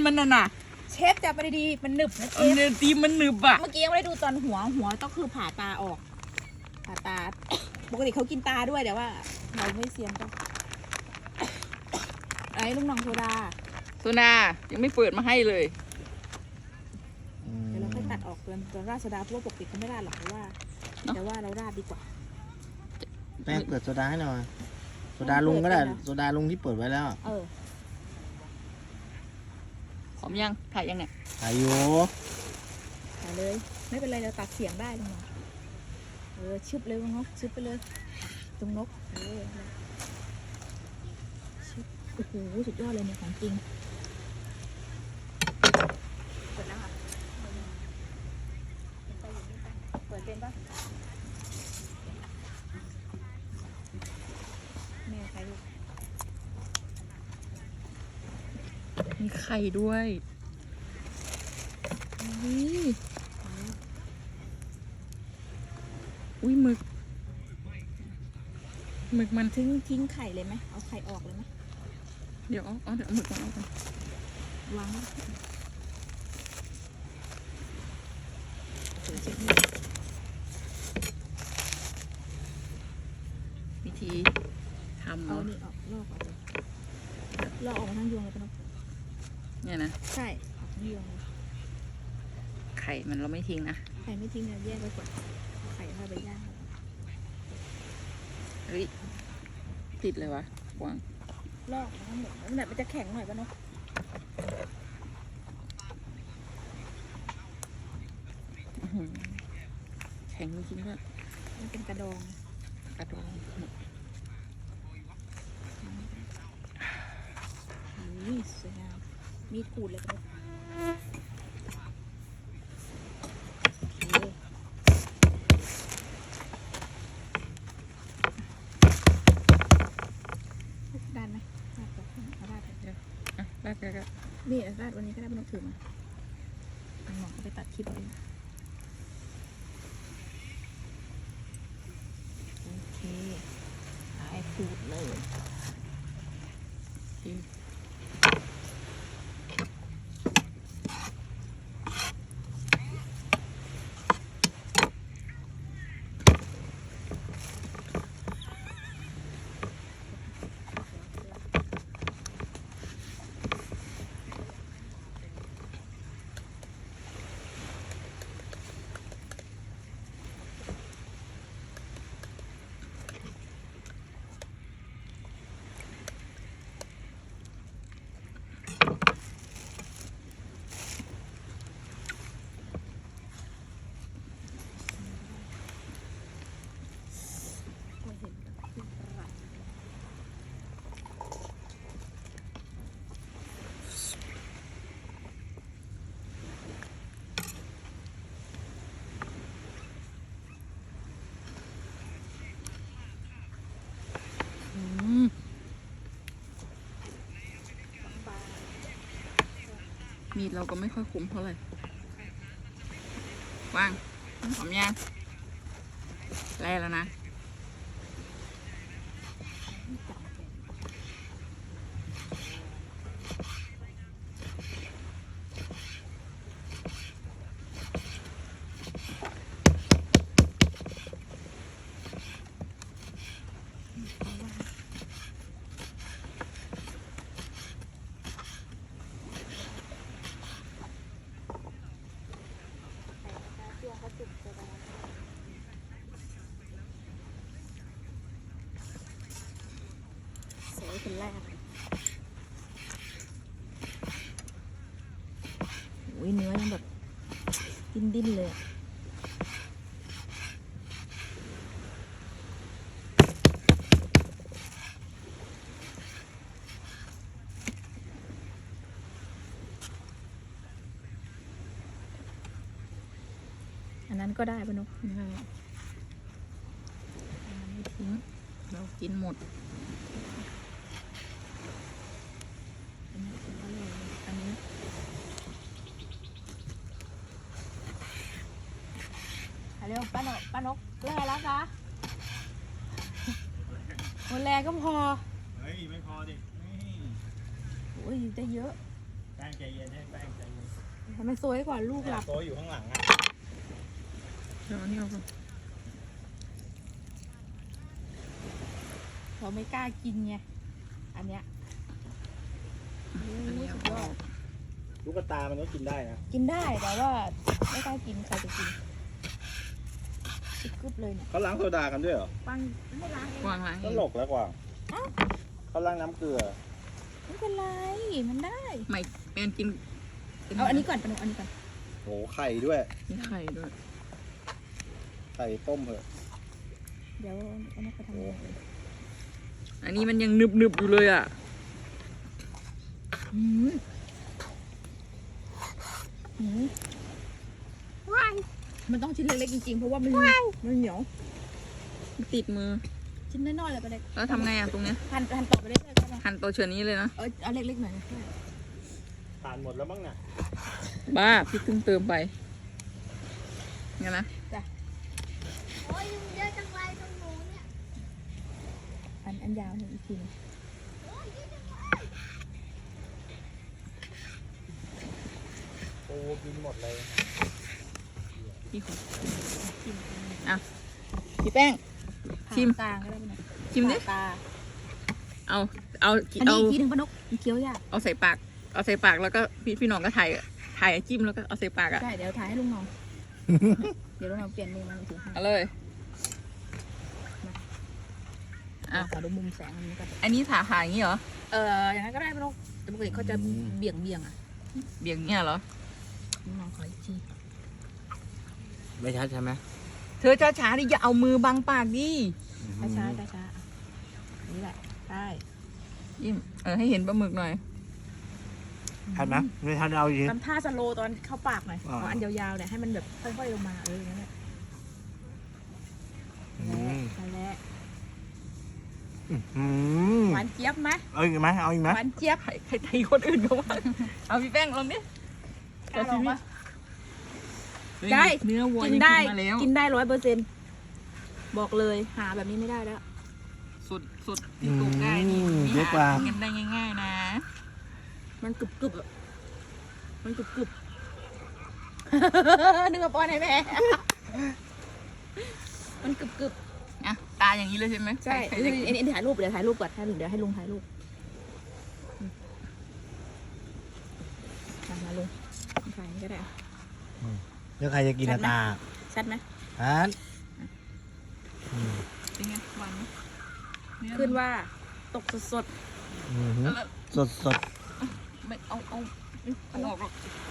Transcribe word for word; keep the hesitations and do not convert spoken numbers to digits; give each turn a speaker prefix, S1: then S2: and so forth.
S1: มันน่ะน่ะ
S2: เชฟจับไปดีๆมันหนึบนะเชฟ
S1: เนื้อตีมันหนึบอะ
S2: เมื่อกี้ยังไม่ได้ดูตอนหัวหัวต้องคือผ่าตาออกผ่าตาปกติเขากินตาด้วยแต่ว่าเราไม่เซียนก็ไอ้ลูกน้องโซดา
S1: โซนายังไม่เปิดมาให้เลย
S2: เดี๋ยวเราค่อยตัดออกตัวตัวราดโซดาเพราะว่าปกติเขาไม่ราดหรอกเพราะว่าแต่ว่าเราราดดีกว่า
S3: แป้งเปิดโซดาให้หน่อยโซดาลุงก็ได้โซดาลุงที่เปิดไว้แล้ว
S2: เออ
S1: หอมยังถ่ายยังเนี่ย
S3: ถ่ายอยู่
S2: ถ่ายเลยไม่เป็นไรเราตัดเสียงได้ลุงเออชึบเลยลุงนกชึบไปเลยตรงนกเออชึบโอ้โหสุดยอดเลยเนี่ยของจริงเปิดแล้วค่ะเปิดเป็นปะแม่ใครลูก
S1: มีไข่ด้วยนี่อุ้ยหมึกหมึกมัน
S2: ทิ้งทิ้งไข่เลยไหมเอาไข่ออกเลยไหม
S1: เดี๋ยวเอาเดี๋ยวเอาหมึกมาเอากัน
S2: วาง
S1: วิธีทำ
S2: เอานี่ออกลอกออกเลยลอกออกมาทั้งยวงเลยปะเนาะ
S1: เนี่ยนะ
S2: ใช่ออกทั้งยวงเลย
S1: ไข่มันเราไม่ทิ้งนะ
S2: ไข่ไม่ทิ้งเนี่ยแยกไว้ก่อนไข่ถ้าไปย่าง
S1: เฮ้ยติดเลยวะวาง
S2: ลอกทั้งหมดแล้วมันจะแข็งหน่อยปะเนาะ
S1: แข็งจริงๆด้วย
S2: มันเป็นกระดอง
S1: กระดอง
S2: นี่สวยงามมีดขูดเลยครับด้านไหมราดก่อนเอาราดเดี๋ยว
S1: อ่ะราดกันก็
S2: นี่ราดวันนี้ก็ได้ไม่ต้องถือมาเอาหมอกไปตัดคลิปเลยโอเคหายขูดเลย
S1: มีดเราก็ไม่ค่อยคุ้มเท่าไหร่วางหอมยังแล่แล้วนะ
S2: คนแรกโอ้ยเนื้อยังแบบดิ้นดิ้นเลยอันนั้นก็ได้ปะนุ๊ก
S1: ได้อันนั้นไม่ทิ้งเรากินหมด
S2: เร็วป้านกป้านกแล่แล้วคะวันแรก็พอ
S3: เฮ้ยไม่พอดิ
S2: โอ้ยได้เยอะ
S3: แป้งใจเย็นให้แป้งใจเย็น
S2: ทำไมสวยกว่าลูกหลับ
S3: โต๊ะอยู่ข้างหลังอ่ะ
S1: เดี๋ยวอันนี้เอาก่อน
S2: เราไม่กล้ากินไงอันเนี้ย
S1: อันนี้เอา
S2: สุดย
S1: อ
S2: อ
S1: อ
S2: ด
S1: ก
S3: ลูกกระตามันก็กินได้นะ
S2: กินได้แต่ว่าไม่กล้ากินใครจะกินกึบเลยเนี่ย
S3: เขาล้างโซดากันด้วยเหรอ
S2: ปังไม่ล้างเอง
S1: วางล้าง
S3: ต
S1: เอง
S3: ลกแล้วกว่าเขาล้างน้ำเกลือ
S2: ไม่เป็นไรมันได้
S1: ไม่เป็นกิน
S2: เอาอันนี้ก่อนปะหนูอันนี้ก่อน
S3: โหไข่ด้วย
S1: มีไข่ด้วย
S3: ไข่ต้มเหอะ
S2: เดี๋ยวเอามาไปทำอะไร
S1: อันนี้มันยังหนึบหนึบๆอยู่เลยอ่ะ
S2: หืมหืมมันต้องชิ้นเล็กๆจริงๆเพราะว่ามันมันเหนียว
S1: มันติดมือ
S2: ชิ้นน้อยๆเลยก็ได้
S1: แล้วทำไงอ่ะตรงเนี้ย
S2: หั่นหั่นต่อไปเรื่อยๆก็ได้
S1: หั่นตัวเชือนี้เลยนะ
S2: เออเอาเล็กๆหน่อย
S3: ทานหมดแล้วมั้งน่ะ
S1: บ้าพี่เพิ่งเติมไปงั้นนะ
S4: โอ้ยยุงเยอะจังไรตรงหนูเนี่ย
S2: อันอันยาวหนึ่งอีกทีหนึ่ง
S3: โอ้กินหมดเลย
S1: พี่ขออ่ะพี่แป้ง ชิม
S2: ผ่ากลางก็ได้ปะเนี่ย
S1: ชิมดิ
S2: ผ่าตา
S1: เอาเอา
S2: อันนี้
S1: เอา
S2: อีกทีหนึ่งปะนกมันเคี้ยวยาก
S1: เอาใส่ปาก เอาใส่ปากแล้วก็พี่พี่หน้องก็ถ่ายถ่ายจิ้มแล้วก็เอาใส่ปากอ่ะ
S2: ใช่เดี๋ยวถ่ายให้ลุงน้อง เดี๋ยวลุงน้องเปลี่ยนมือมันถือให้
S1: เอาเลย อ่ะ
S2: ขอดูมุมแสงอันนี้ก่อน
S1: อันนี้ถ่ายถ่ายอย่างนี้เหรอ
S2: เอออย่างนั้นก็ได้ปะนกแต่ปกติเขาจะเบี่ยงเบี่ยงๆอ่ะ
S1: เบี่ยงเนี่ยเหรอ
S2: ลุงน้องขออีกที
S3: ไม่ชัดใช่ไหม
S1: เธอช้าๆดิอย่าเอามือบังปากดิ
S2: ช้าช้าช้าช้าๆอ่ะนี่แหละได้
S1: ยิ้มเออให้เห็นปลาหมึกหน่อย
S3: ชัดไหมไม่ชัดเอาอีก
S2: ทำท่าสโลว์ตอนเข้าปากหน่อย
S3: อ่า
S2: เอาอันยาวๆเนี่ยให้มันแบบค่อยๆลงมาเอออย่างนั้นแหละ นั่นแหละ
S3: อืม
S2: หวานเจี๊ยบไหม
S3: เอาอีกไหมเอาอีกไหม
S2: หวานเจี๊ยบ
S1: ใครใครตีคนอื่นเขาว่าเอาพี่แป้งลองดิ
S2: กล้าลองปะ
S1: เฮ้ย
S2: ได้
S1: เนื้อวัว
S2: กิน
S1: ยัง
S2: ได้
S1: กินมาแล้ว
S2: กินได้ร้อยเปอร์เซ็นต์บอกเลยหาแบบนี้ไม่ได้แล้ว
S1: สุดสุดที่ตูได้นี่
S3: อืม
S1: ไม่
S3: เยอะ
S1: หาก
S3: ว่า
S1: กินกันได้ง่ายๆนะ
S2: มันกรึบกรึบๆอะมันกรึบกรึบ นึกว่าป้อนให้แม่ มันกรึบกรึบ
S1: อ่ะตาอย่างนี้เลยใช่ไหม
S2: ใช่
S1: ใคร
S2: เดี๋
S1: จะ
S2: ยว
S1: กิน
S2: เดี๋ยวถ่ายรูปเดี๋ยวถ่ายรูปก่อนเดี๋ยวให้ลุงถ่ายรูปอืมมามาลุงถ่ายนี่ก็ได้อะ
S3: เดี๋ยวใครจะกิน
S2: ชัดไหม
S3: ตา
S2: ชัดไหม
S3: ฮันอืม
S1: เป็นไงหวานไหมเนื้อ
S2: ขึ้นว่าตกสด
S3: อืม
S1: แล้ว
S3: สดสด
S1: ไม่เอาเอาเอาออกหรอก
S2: ๆ